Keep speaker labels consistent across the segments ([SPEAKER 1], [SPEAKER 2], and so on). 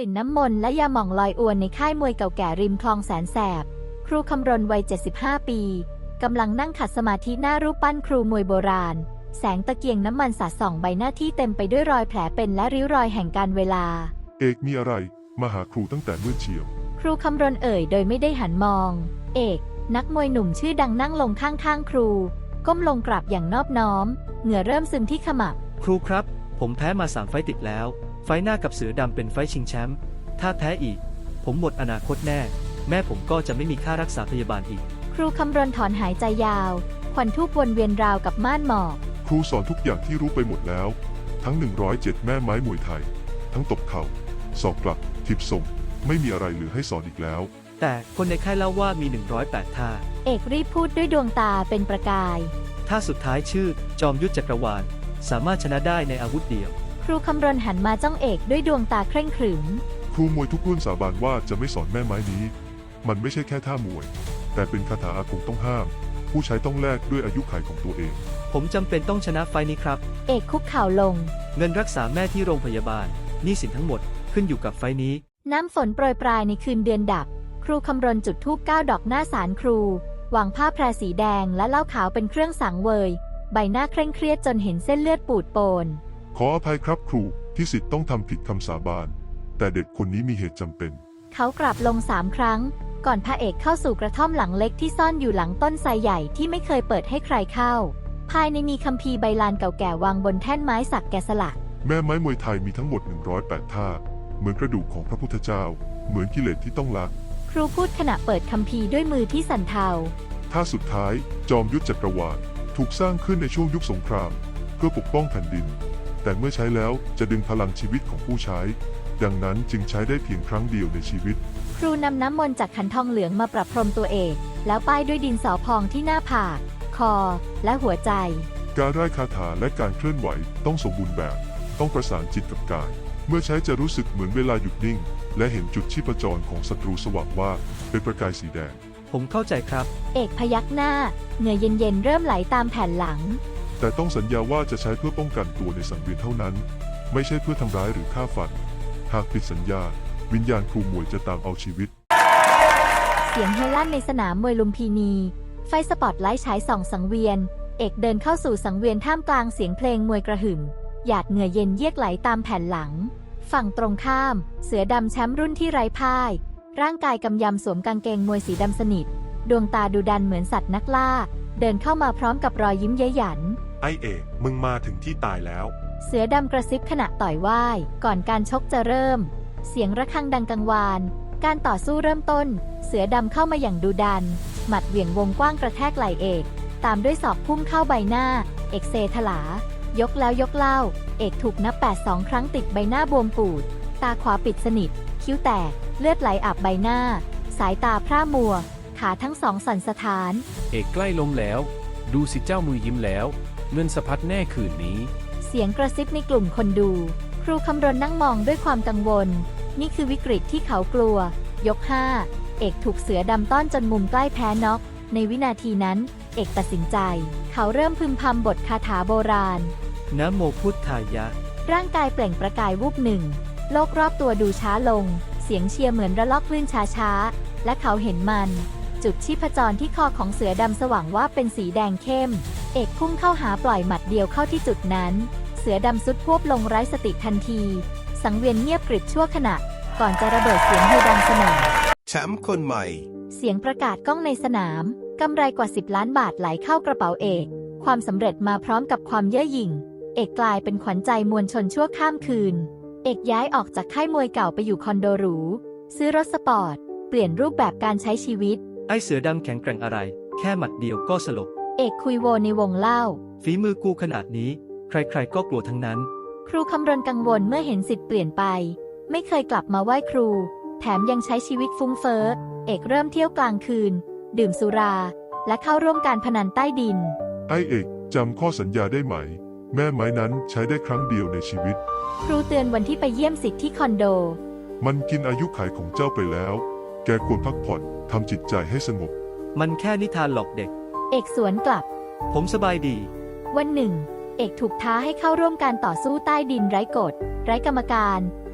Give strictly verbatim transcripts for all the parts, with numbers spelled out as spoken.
[SPEAKER 1] ลิ่นน้ำมนต์และยาหม่องลอยอวนในค่ายมวยเก่าแก่ริมคลองแสนแสบครูคำรณวัยเจ็ดสิบห้าปีกำลังนั่งขัดสมาธิหน้ารูปปั้นครูมวยโบราณแสงตะเกียงน้ำมันสาดส่องใบหน้าที่เต็มไปด้วยรอยแผลเป็นและริ้วรอยแห่งการเวลา
[SPEAKER 2] เอกมีอะไรมาหาครูตั้งแต่มืดเชียว
[SPEAKER 1] ครูคำรณเอ่ยโดยไม่ได้หันมองเอกนักมวยหนุ่มชื่อดังนั่งลงข้างๆครูก้มลงกราบอย่างนอบน้อมเหงื่อเริ่มซึมที่ขมับ
[SPEAKER 3] ครูครับผมแพ้มาสามไฟต์ติดแล้วไฟต์หน้ากับเสือดำเป็นไฟต์ชิงแชมป์ถ้าแพ้อีกผมหมดอนาคตแน่แม่ผมก็จะไม่มีค่ารักษาพยาบาลอีก
[SPEAKER 1] ครูคำรณถอนหายใจยาวควันทูบวนเวียนราวกับม่านหมอก
[SPEAKER 2] ครูสอนทุกอย่างที่รู้ไปหมดแล้วทั้งหนึ่งร้อยเจ็ดแม่ไม้มวยไทยทั้งตบเข่าศอกกลับทิบส่งไม่มีอะไรเหลือให้สอนอีกแล้ว
[SPEAKER 3] แต่คนในค่ายเล่าว่ามีหนึ่งร้อยแปดท่า
[SPEAKER 1] เอกรีบพูดด้วยดวงตาเป็นประกาย
[SPEAKER 3] ท่าสุดท้ายชื่อจอมยุทธจักรวาลสามารถชนะได้ในอาวุธเดียว
[SPEAKER 1] ครูคำรณหันมาจ้องเอกด้วยดวงตาเคร่งขรึม
[SPEAKER 2] ครูมวยทุกรุ่นสาบานว่าจะไม่สอนแม่ไม้นี้มันไม่ใช่แค่ท่ามวยแต่เป็นคาถาอาคมต้องห้ามผู้ใช้ต้องแลกด้วยอายุขัยของตัวเอง
[SPEAKER 3] ผมจำเป็นต้องชนะไฟนี้ครับ
[SPEAKER 1] เอกคุกเข่าลง
[SPEAKER 3] เงินรักษาแม่ที่โรงพยาบาลหนี้สินทั้งหมดขึ้นอยู่กับไฟนี้
[SPEAKER 1] น้ำฝนโปรยปลายในคืนเดือนดับครูคำรณจุดธูปเก้าดอกหน้าศาลครูวางผ้าแพรสีแดงและเหล้าขาวเป็นเครื่องสังเวยใบหน้าเคร่งเครียดจนเห็นเส้นเลือดปูดโปน
[SPEAKER 2] ขออภัยครับครูที่ศิษย์ต้องทำผิดคำสาบานแต่เด็กคนนี้มีเหตุจำเป็น
[SPEAKER 1] เขากราบลงสามครั้งก่อนพระเอกเข้าสู่กระท่อมหลังเล็กที่ซ่อนอยู่หลังต้นไทรใหญ่ที่ไม่เคยเปิดให้ใครเข้าภายในมีคัมภีร์ใบลานเก่าแก่วางบนแท่นไม้สักแกะสลัก
[SPEAKER 2] แม่ไม้มวยไทยมีทั้งหมดหนึ่งร้อยแปดท่าเหมือนกระดูกของพระพุทธเจ้าเหมือนกิเลสที่ต้องละ
[SPEAKER 1] ครูพูดขณะเปิดคัมภีร์ด้วยมือที่สั่นเทา
[SPEAKER 2] ท่าสุดท้ายจอมยุทธจักรวาลถูกสร้างขึ้นในช่วงยุคสงครามเพื่อปกป้องแผ่นดินแต่เมื่อใช้แล้วจะดึงพลังชีวิตของผู้ใช้ดังนั้นจึงใช้ได้เพียงครั้งเดียวในชีวิต
[SPEAKER 1] ครูนำน้ำมนต์จากขันทองเหลืองมาประพรมตัวเอกแล้วป้ายด้วยดินสอพองที่หน้าผากคอและหัวใจ
[SPEAKER 2] การร่ายคาถาและการเคลื่อนไหวต้องสมบูรณ์แบบต้องประสานจิตกับกายเมื่อใช้จะรู้สึกเหมือนเวลาหยุดนิ่งและเห็นจุดชีพจรของศัตรูสว่างว่าเป็นประกายสีแดง
[SPEAKER 3] ผมเข้าใจครับ
[SPEAKER 1] เอกพยักหน้าเหงื่อเย็นๆเริ่มไหลตามแผ่นหลัง
[SPEAKER 2] แต่ต้องสัญญาว่าจะใช้เพื่อป้องกันตัวในสังเวียนเท่านั้นไม่ใช่เพื่อทำร้ายหรือฆ่าฟันหากผิดสัญญาวิญญาณครูมวยจะตามเอาชีวิต
[SPEAKER 1] เสียงเฮลั่นในสนามมวยลุมพินีไฟสปอตไลท์ฉายส่องสังเวียนเอกเดินเข้าสู่สังเวียนท่ามกลางเสียงเพลงมวยกระหึ่มหยาดเหงื่อเย็นเยือกไหลตามแผ่นหลังฝั่งตรงข้ามเสือดำแชมป์รุ่นที่ไร้พ่ายร่างกายกำยำสวมกางเกงมวยสีดำสนิทดวงตาดุดันเหมือนสัตว์นักล่าเดินเข้ามาพร้อมกับรอยยิ้มเย้ยหยัน
[SPEAKER 2] ไอเอกมึงมาถึงที่ตายแล้ว
[SPEAKER 1] เสือดำกระซิบขณะต่อยว่ายก่อนการชกจะเริ่มเสียงระฆังดังกังวานการต่อสู้เริ่มต้นเสือดำเข้ามาอย่างดุดันหมัดเหวี่ยงวงกว้างกระแทกไหล่เอกตามด้วยศอกพุ่งเข้าใบหน้าเอกเซถลายกแล้วยกเล่าเอกถูกนับแปดสองครั้งติดใบหน้าบวมปูดตาขวาปิดสนิทคิ้วแตกเลือดไหลอาบใบหน้าสายตาพร่ามัวขาทั้งสองสั่นสะท้าน
[SPEAKER 4] เอกใกล้ล้มแล้วดูสิเจ้ามือยิ้มแล้วเงินสะพัดแน่คืนนี้
[SPEAKER 1] เสียงกระซิบในกลุ่มคนดูครูคำรณนั่งมองด้วยความกังวลนี่คือวิกฤตที่เขากลัวยกห้าเอกถูกเสือดำต้อนจนมุมใกล้แพ้น็อกในวินาทีนั้นเอกตัดสินใจเขาเริ่มพึมพำบทคาถาโบราณ
[SPEAKER 3] นะโมพุทธายะ
[SPEAKER 1] ร่างกายเปล่งประกายวูบหนึ่งโลกรอบตัวดูช้าลงเสียงเชียร์เหมือนระลอกคลื่นช้าๆและเขาเห็นมันจุดชีพจรที่คอของเสือดำสว่างว่าเป็นสีแดงเข้มเอกพุ่งเข้าหาปล่อยหมัดเดียวเข้าที่จุดนั้นเสือดำสุดพวบลงไร้สติทันทีสังเวียนเงียบกริบชั่วขณะก่อนจะระเบิดเสียงฮือดังสนั่น
[SPEAKER 5] แชมป์คนใหม่
[SPEAKER 1] เสียงประกาศก้องในสนามกำไรกว่าสิบล้านบาทไหลเข้ากระเป๋าเอกความสำเร็จมาพร้อมกับความเย่อหยิ่งเอกกลายเป็นขวัญใจมวลชนชั่วข้ามคืนเอกย้ายออกจากค่ายมวยเก่าไปอยู่คอนโดหรูซื้อรถสปอร์ตเปลี่ยนรูปแบบการใช้ชีวิต
[SPEAKER 3] ไอเสือดำแข็งแกร่งอะไรแค่หมัดเดียวก็สลบ
[SPEAKER 1] เอกคุยโวในวงเล่า
[SPEAKER 3] ฝีมือกูขนาดนี้ใครๆก็กลัวทั้งนั้น
[SPEAKER 1] ครูคำรณกังวลเมื่อเห็นสิทธิ์เปลี่ยนไปไม่เคยกลับมาไหว้ครูแถมยังใช้ชีวิตฟุ้งเฟ้อเอกเริ่มเที่ยวกลางคืนดื่มสุราและเข้าร่วมการพนันใต้ดิน
[SPEAKER 2] ไอเอกจำข้อสัญญาได้ไหมแม่ไม้นั้นใช้ได้ครั้งเดียวในชีวิต
[SPEAKER 1] ครูเตือนวันที่ไปเยี่ยมสิทธิ์ที่คอนโด
[SPEAKER 2] มันกินอายุขัยของเจ้าไปแล้วแกควรพักผ่อนทำจิตใจให้สงบ
[SPEAKER 3] มันแค่นิทานหลอกเด็ก
[SPEAKER 1] เอกสวนกลับ
[SPEAKER 3] ผมสบายดี
[SPEAKER 1] วันหนึ่งเอกถูกท้าให้เข้าร่วมการต่อสู้ใต้ดินไร้กฎไร้กรรมการ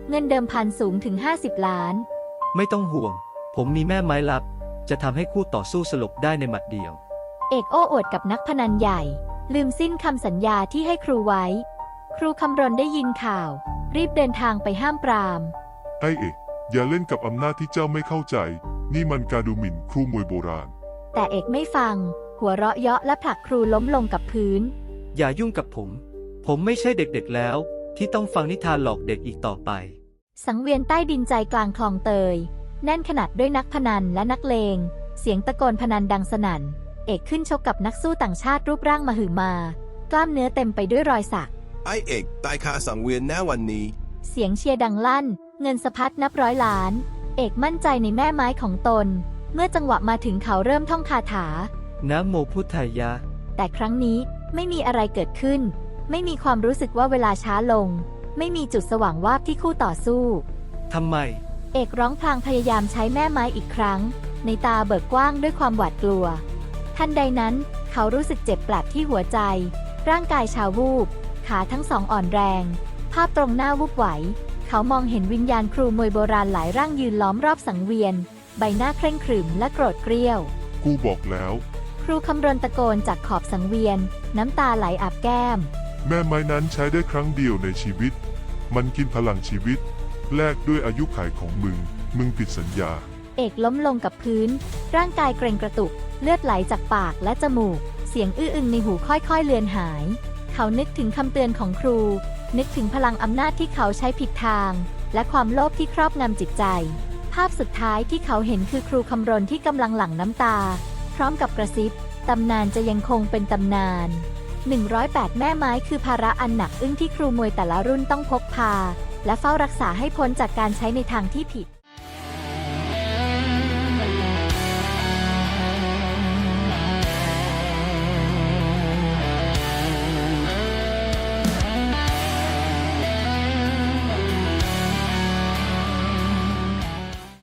[SPEAKER 1] เงินเดิมพันสูงถึงห้าสิบล้าน
[SPEAKER 3] ไม่ต้องห่วง ผมมีแม่ไม้ลับ จะทำให้คู่ต่อสู้สลบได้ในหมัดเดียว
[SPEAKER 1] เอกโอ้อวดกับนักพนันใหญ่ ลืมสิ้นคำสัญญาที่ให้ครูไว้ ครูคำรณได้ยินข่าว รีบเดินทางไปห้ามปราม
[SPEAKER 2] ไอ้เอกอย่าเล่นกับอำนาจที่เจ้าไม่เข้าใจ นี่มันการดูหมิ่นครูมวยโบราณ
[SPEAKER 1] แต่เอกไม่ฟัง หัวเราะเยาะและผลักครูล้มลงกับพื้น
[SPEAKER 3] อย่ายุ่งกับผม ผมไม่ใช่เด็กๆแล้ว ที่ต้องฟังนิทานหลอกเด็กอีกต่อไป
[SPEAKER 1] สังเวียนใต้ดินใจกลางคลองเตย แน่นขนาดด้วยนักพนันและนักเลง เสียงตะโกนพนันดังสนั่น เอกขึ้นชกกับนักสู้ต่างชาติรูปร่างมหึมา กล้ามเนื้อเต็มไปด้วยรอยสัก
[SPEAKER 5] ไอเอกตายคาสังเวียนแน่วันนี้
[SPEAKER 1] เสียงเชียร์ดังลั่น เงินสะพัดนับร้อยล้าน เอกมั่นใจในแม่ไม้ของตน เมื่อจังหวะมาถึงเขาเริ่มท่องคาถา
[SPEAKER 3] นะโมพุทธายะ
[SPEAKER 1] แต่ครั้งนี้ไม่มีอะไรเกิดขึ้น ไม่มีความรู้สึกว่าเวลาช้าลง ไม่มีจุดสว่างวาบที่คู่ต่อสู้
[SPEAKER 3] ทำไม
[SPEAKER 1] เอกร้องพลางพยายามใช้แม่ไม้อีกครั้ง ในตาเบิกกว้างด้วยความหวาดกลัว ทันใดนั้น เขารู้สึกเจ็บปลัดที่หัวใจ ร่างกายชาวูบ ขาทั้งสองอ่อนแรง ภาพตรงหน้าวูบไหว เขามองเห็นวิญญาณครูมวยโบราณหลายร่างยืนล้อมรอบสังเวียน ใบหน้าเคร่งขรึมและโกรธเกรี้ยว
[SPEAKER 2] กูบอกแล้ว
[SPEAKER 1] ครูคำรณตะโกนจากขอบสังเวียน น้ำตาไหลอาบแก้ม
[SPEAKER 2] แม่ไม้นั้นใช้ได้ครั้งเดียวในชีวิต มันกินพลังชีวิต แลกด้วยอายุขัยของมึง มึงผิดสัญญา
[SPEAKER 1] เอกล้มลงกับพื้น ร่างกายเกร็งกระตุก เลือดไหลจากปากและจมูก เสียงอื้ออึงในหูค่อยๆเลือนหาย เขานึกถึงคำเตือนของครู นึกถึงพลังอำนาจที่เขาใช้ผิดทาง และความโลภที่ครอบงำจิตใจ ภาพสุดท้ายที่เขาเห็นคือครูคำรณที่กำลังหลั่งน้ำตา พร้อมกับกระซิบ ตำนานจะยังคงเป็นตำนาน หนึ่งร้อยแปด แม่ไม้คือภาระอันหนักอึ้งที่ครูมวยแต่ละรุ่นต้องพกพา และเฝ้ารักษาให้พ้นจากการใช้ในทางที่ผิด